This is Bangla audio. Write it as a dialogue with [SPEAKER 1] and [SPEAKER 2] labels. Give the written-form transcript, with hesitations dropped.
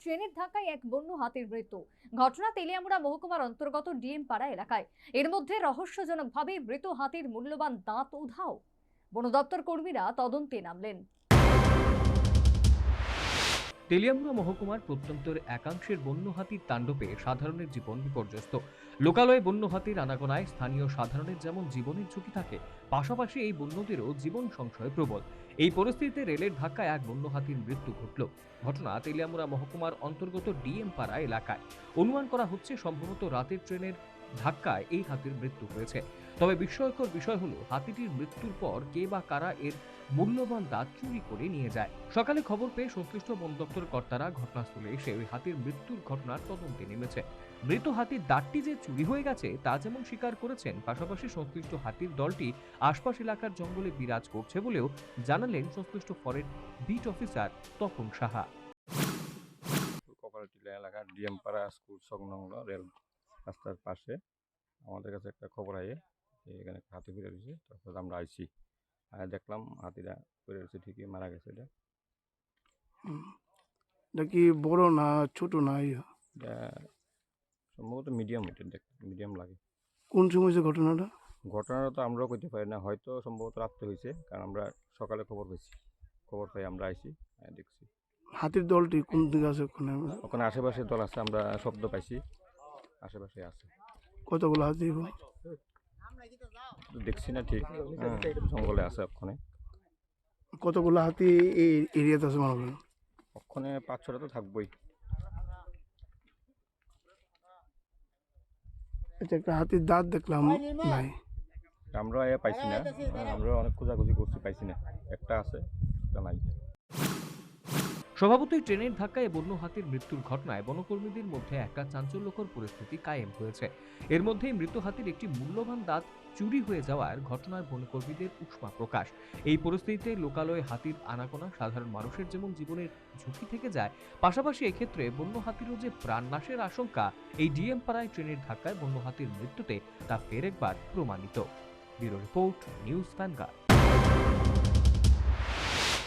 [SPEAKER 1] ট্রেনের ধাক্কায় এক বন্য হাতির মৃত্যু। ঘটনা তেলিয়ামুড়া মহকুমার অন্তর্গত ডিএম পাড়া এলাকায়। এর মধ্যে রহস্যজনকভাবে মৃত হাতির মূল্যবান দাঁত উধাও। বন দপ্তর কর্মীরা তদন্তে নামলেন।
[SPEAKER 2] তেলিয়ামুড়া মহকুমার প্রত্যন্তের একাংশের বন্য হাতির তাণ্ডবে সাধারণের জীবন বিপর্যস্ত। লোকালয়ে বন্য হাতির আনাগোনায় স্থানীয় সাধারণের যেমন জীবনের ঝুঁকি থাকে, পাশাপাশি এই বন্যদেরও জীবন সংশয় প্রবল। এই পরিস্থিতিতে রেলের ধাক্কায় এক বন্য হাতির মৃত্যু ঘটল। ঘটনা তেলিয়ামুড়া মহকুমার অন্তর্গত ডিএম পাড়া এলাকায়। অনুমান করা হচ্ছে সম্ভবত রাতের ট্রেনের ধাক্কায় এই হাতির মৃত্যু হয়েছে। তবে বিস্ময়কর বিষয় হলো, হাতিটির মৃত্যুর পর কে বা কারা এর মূল্যবান দাঁত চুরি করে নিয়ে যায়। সকালে খবর পেয়ে সংশ্লিষ্ট বন দপ্তর কর্তারা ঘটনাস্থলে এসে ওই হাতির মৃত্যুর ঘটনার তদন্তে নেমেছে। মৃত হাতির দাঁতটি যে চুরি হয়ে গেছে তা যেমন স্বীকার করেছেন, পাশাপাশি সংশ্লিষ্ট হাতির দলটি আশপাশ এলাকার জঙ্গলে বিরাজ করছে বলেও জানালেন সংশ্লিষ্ট forest beat officer Tapan Saha.
[SPEAKER 3] Kapaltila এলাকার ডিএমপাড়া স্কুল সংলগ্ন রেল রাস্তার পাশে আমাদের কাছে একটা খবর আয়ে যে এখানে হাতি ফিরে রয়েছে। তারপর আমরা আইছি, দেখলাম হাতিটা ফিরে রয়েছে, ঠিকই মারা গেছে।
[SPEAKER 4] এটা কি বড় না ছোট না?
[SPEAKER 3] এটা সম্ভবত মিডিয়াম, এটা মিডিয়াম লাগে।
[SPEAKER 4] কোন সময় হয়েছে ঘটনাটা?
[SPEAKER 3] ঘটনাটা তো আমরাও করতে পারি না, হয়তো সম্ভবত রাত্রে হয়েছে, কারণ আমরা সকালে খবর পাই আমরা আইছি, দেখছি।
[SPEAKER 4] হাতির দলটি কোন দিকে আছে?
[SPEAKER 3] ওখানে আশেপাশে দল আছে, আমরা শব্দ পাইছি, আশেপাশে আছে।
[SPEAKER 4] কতগুলো হাতি?
[SPEAKER 3] দেখছি না ঠিক, জঙ্গলে আছে ওখানে।
[SPEAKER 4] কতগুলো হাতি এই এরিয়াতে আছে মনে করেন?
[SPEAKER 3] ওখানে 5-6টা তো থাকবোই।
[SPEAKER 4] আচ্ছা, একটা হাতির দাঁত দেখলাম নাই।
[SPEAKER 3] আমরা পাইছি না, আমরা অনেক খোঁজাখুঁজি করছি, পাইছি না। একটা আছে, একটা নাই।
[SPEAKER 2] স্বভাবতই ট্রেনের ধাক্কায় বন্য হাতির মৃত্যুর ঘটনায় বনকর্মীদের মধ্যে একটা চাঞ্চল্যকর পরিস্থিতি কায়েম হয়েছে। এর মধ্যেই মৃত হাতির একটি মূল্যবান দাঁত চুরি হয়ে যাওয়ার ঘটনায় বনকর্মীদের উষ্মা প্রকাশ। এই পরিস্থিতিতে লোকালয়ে হাতির আনাগোনা সাধারণ মানুষের যেমন জীবনের ঝুঁকি থেকে যায়, পাশাপাশি এক্ষেত্রে বন্য হাতিরও যে প্রাণনাশের আশঙ্কা এই ডিএম পাড়ায় ট্রেনের ধাক্কায় বন্য হাতির মৃত্যুতে তা ফের একবার প্রমাণিত। Bureau report, news vanguard.